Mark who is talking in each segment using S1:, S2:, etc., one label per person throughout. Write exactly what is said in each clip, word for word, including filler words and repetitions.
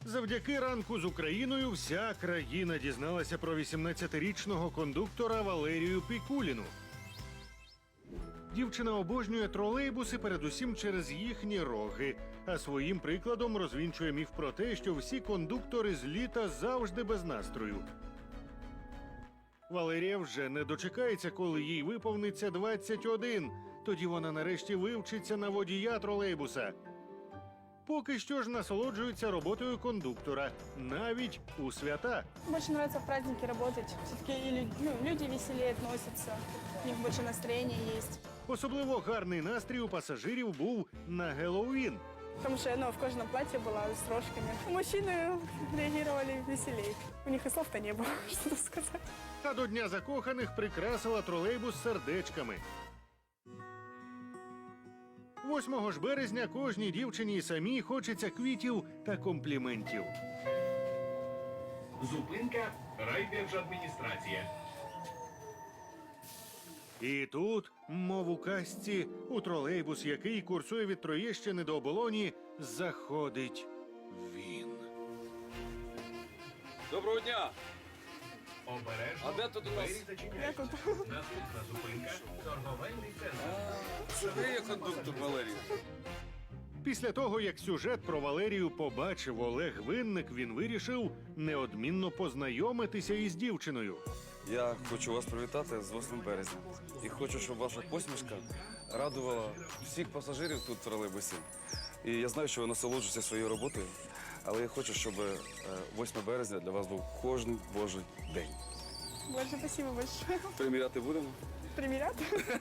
S1: Завдяки ранку з Україною вся країна дізналася про вісімнадцятирічного кондуктора Валерію Пікуліну. Дівчина обожнює тролейбуси передусім через їхні роги, а своїм прикладом розвінчує міф про те, що всі кондуктори з літа завжди без настрою. Валерія вже не дочекається, коли їй виповниться двадцять один. Тоді вона нарешті вивчиться на водія тролейбуса. Поки що ж насолоджується роботою кондуктора, навіть у свята.
S2: Больше нравится в праздники работать. Все-таки и лю- ну, люди веселее относятся, у них больше настроения есть.
S1: Особливо гарний настрій у пасажирів був на Геловін.
S2: Потому что я ну, в кожаном платье была с рожками. Мужчины реагировали веселее. У них и слов-то не было, что тут сказать.
S1: А до Дня закоханих прикрасила тролейбус сердечками. восьмого ж березня кожній дівчині і самій хочеться квітів та компліментів.
S3: Зупинка райдержадміністрація.
S1: І тут, мов у казці, у тролейбус, який курсує від Троєщини до Оболоні, заходить він.
S4: Доброго дня!
S3: Обережно.
S4: А де тут у нас?
S3: Двері зачиняються. Наступна зупинка торговельний центр.
S4: Це ви є кондуктор Валерій?
S1: Після того, як сюжет про Валерію побачив Олег Винник, він вирішив неодмінно познайомитися із дівчиною.
S4: Я хочу вас привітати з восьмим березня. І хочу, щоб ваша посмішка радувала всіх пасажирів тут в тролейбусі. І я знаю, що ви насолоджуєтеся своєю роботою, але я хочу, щоб е, восьмого березня для вас був кожен божий день.
S2: Больше спасибо большое.
S4: Приміряти будемо?
S2: Примерят?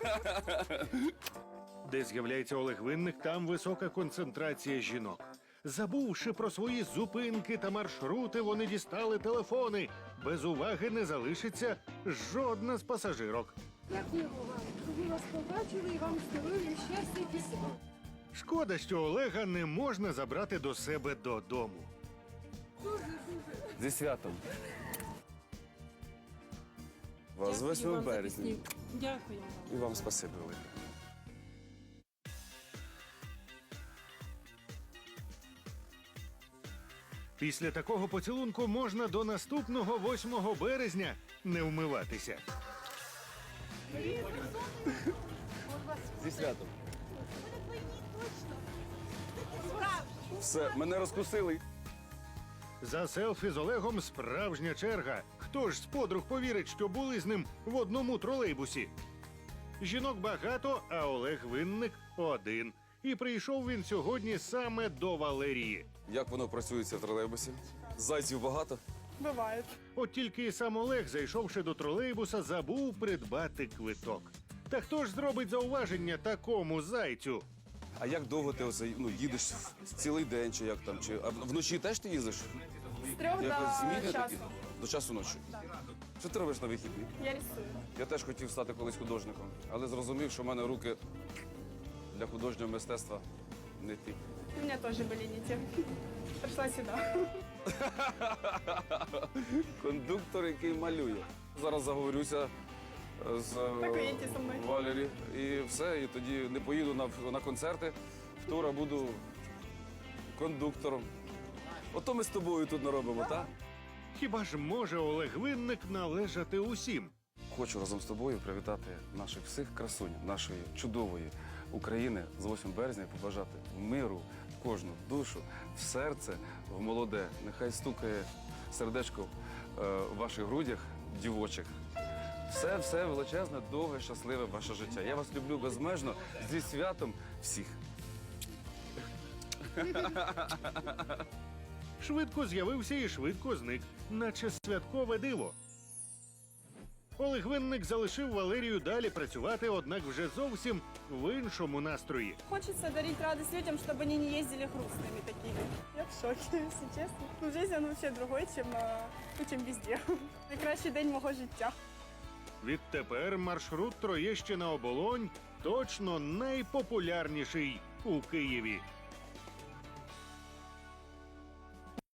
S1: Де з'являється Олег Винник, там висока концентрація жінок. Забувши про свої зупинки та маршрути, вони дістали телефони. Без уваги не залишиться жодна з пасажирок.
S5: Дякую вам. Ми вас побачили і вам здоров'я, щастя і пісня.
S1: Шкода, що Олега не можна забрати до себе додому.
S4: Зі святом. Вас з восьмого березня.
S5: Дякую вам.
S4: І вам спасибі велике.
S1: Після такого поцілунку можна до наступного восьмого березня не вмиватися.
S4: Зі святом. Все, мене розкусили.
S1: За селфі з Олегом справжня черга. Хто ж з подруг повірить, що були з ним в одному тролейбусі? Жінок багато, а Олег Винник один. І прийшов він сьогодні саме до Валерії.
S4: Як воно працюється в тролейбусі? Зайців багато?
S2: Бывает.
S1: От тільки і сам Олег, зайшовши до тролейбуса, забув придбати квиток. Та хто ж зробить зауваження такому зайцю?
S4: А як довго ти оце, ну, їдеш цілий день, чи як там? Чи а вночі теж ти їздиш?
S2: С трех
S4: Якось зміни
S2: до
S4: такі?
S2: часу.
S4: До часу ночі? Що ти робиш на вихідні?
S2: Я рисую.
S4: Я теж хотів стати колись художником, але зрозумів, що в мене руки для художнього мистецтва не ті.
S2: У меня тоже были не те. Пришла сюда.
S4: Кондуктор, який малює. Зараз заговорюся з е,
S2: Поїдьте зі мною.
S4: Валері. І все, і тоді не поїду на, на концерти в тур, а буду кондуктором. Ото ми з тобою тут наробимо, так?
S1: Хіба ж може Олег Винник належати усім?
S4: Хочу разом з тобою привітати наших всіх красунь, нашої чудової України з восьмого березня і побажати миру в кожну душу, в серце, в молоде. Нехай стукає сердечко е, в ваших грудях дівочих. Все, все величезне, довге, щасливе ваше життя. Я вас люблю безмежно, зі святом всіх.
S1: Швидко з'явився і швидко зник, наче святкове диво. Олег Винник залишив Валерію далі працювати, однак вже зовсім в іншому настрої.
S2: Хочется дарить радость людям, чтобы они не ездили грустными такими. Я в шоке, если честно. Ну, жизнь, она вообще другой, чем, э, ну, чем везде. Найкращий день мого життя.
S1: Відтепер маршрут Троєщина-Оболонь точно найпопулярніший у Києві.